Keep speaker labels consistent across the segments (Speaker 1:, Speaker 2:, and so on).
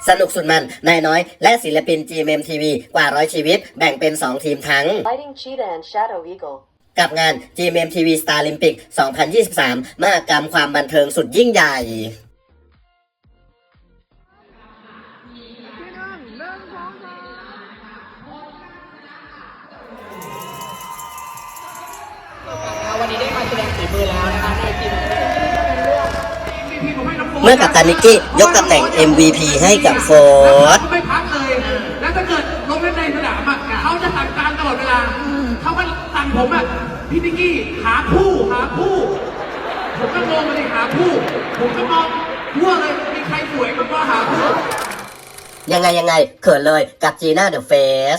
Speaker 1: สนุกสุดมันนายน้อยและศิลปิน GMMTV กว่า100ชีวิตแบ่งเป็น 2 ทีมทั้ง
Speaker 2: Fighting Cheetah and Shadow Eagle
Speaker 1: กับงาน GMMTV Starlympic 2023 มหกรรมความบันเทิงสุดยิ่งใหญ่
Speaker 3: วันนี้ได้มาแสดงฝีมือแล้วนะคะในทีม
Speaker 1: เมื่อกัปตันนิกกี้ยกตำแหน่ง MVP ให้กับโฟร์ธ
Speaker 4: ไม่พักเลยแล้วถ้าเกิดลงเล่นในสนามเขาจะสั่งการตลอดเวลาเขาก็สั่งผมพี่นิกกี้หาผู้ผมก็มองมาเลยหาผู้ผมก็มองทั่วเลยมีใครสวยก็หาผู้
Speaker 1: ยังไงเขินเลยกับจีน่าเดอะเฟส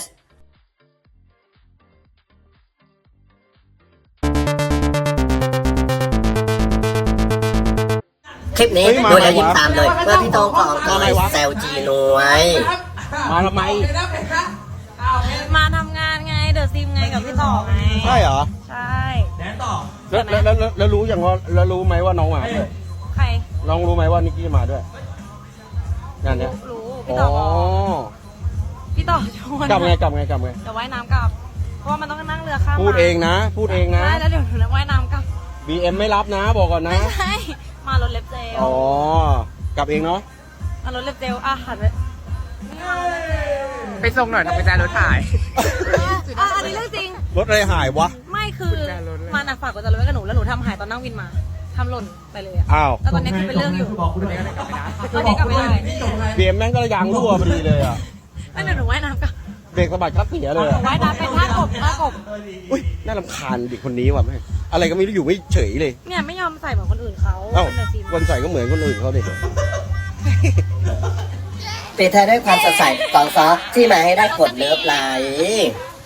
Speaker 1: คลิปนี้ดูแล้วยิ้มตามเลยเมื่อพี่โต้งของก็เลยแซวจีนวย
Speaker 3: มาทำไม
Speaker 5: มาทำงานไงเดอะซิมไงกับพี่ต่อไง
Speaker 3: ใช่เหรอ
Speaker 5: ใช่
Speaker 4: แดนต่อ
Speaker 3: แล้วรู้อย่างว่าแล้วรู้ไหมว่าน้องมาด้วย
Speaker 5: ใคร
Speaker 3: น้องรู้ไหมว่านิกกี้มาด้วยงานเนี้ย
Speaker 5: รู้พี่ต่อพี่ต่อชวน
Speaker 3: กลับไง
Speaker 5: เดี๋ยวว่ายน้ำกลับเพราะว่ามันต้องนั่งเรือข้าม
Speaker 3: พูดเองนะ
Speaker 5: ใช่แล้วเดี๋ยวหนูว่ายน้ำกลับ
Speaker 3: BM ไม่รับนะบอกก่อนนะ
Speaker 5: ไม่ใช่มารถเล็บเจล
Speaker 3: กลับเองเนาะ
Speaker 5: มารถเล็บเจลหัน
Speaker 6: ไปส่งหน่อยทำไปแจรถถ่าย
Speaker 5: อันนี้เรื่องจริง
Speaker 3: รถอะไรหายวะ
Speaker 5: ไม่คือมันฝากกุญแจรถไว้กับหนูแล้วหนูทำหายตอนนั่งวินมาทำหล่นไปเลย
Speaker 3: อ้าว
Speaker 5: แล้วตอนนี้คือเป็นเรื่องอยู่ตอนนี้กลับไม่ได้
Speaker 3: BM แม่งก็ยางรั่วพอดีเลย
Speaker 5: ไม่เดี๋ยวหนูว่ายน้ำกับ
Speaker 3: เบรกสะบัดคัดเสียเลย
Speaker 5: ว่ายน้ำเป็นท่ากบ
Speaker 3: อุ้ยน่ารำคาญเด็กคนนี้ว่ะแม่อะไรก็ไม่รู้อยู่ไม่เฉยเลย
Speaker 5: เนี่ยไม่ยอมใส่เหมือนคนอื่นเขา
Speaker 3: คนใส่ก็เหมือนคนอื่นเขาดิ
Speaker 1: ปิดท้ายด้วยความสดใสของซอที่มาให้ได้กดเลิฟไลค์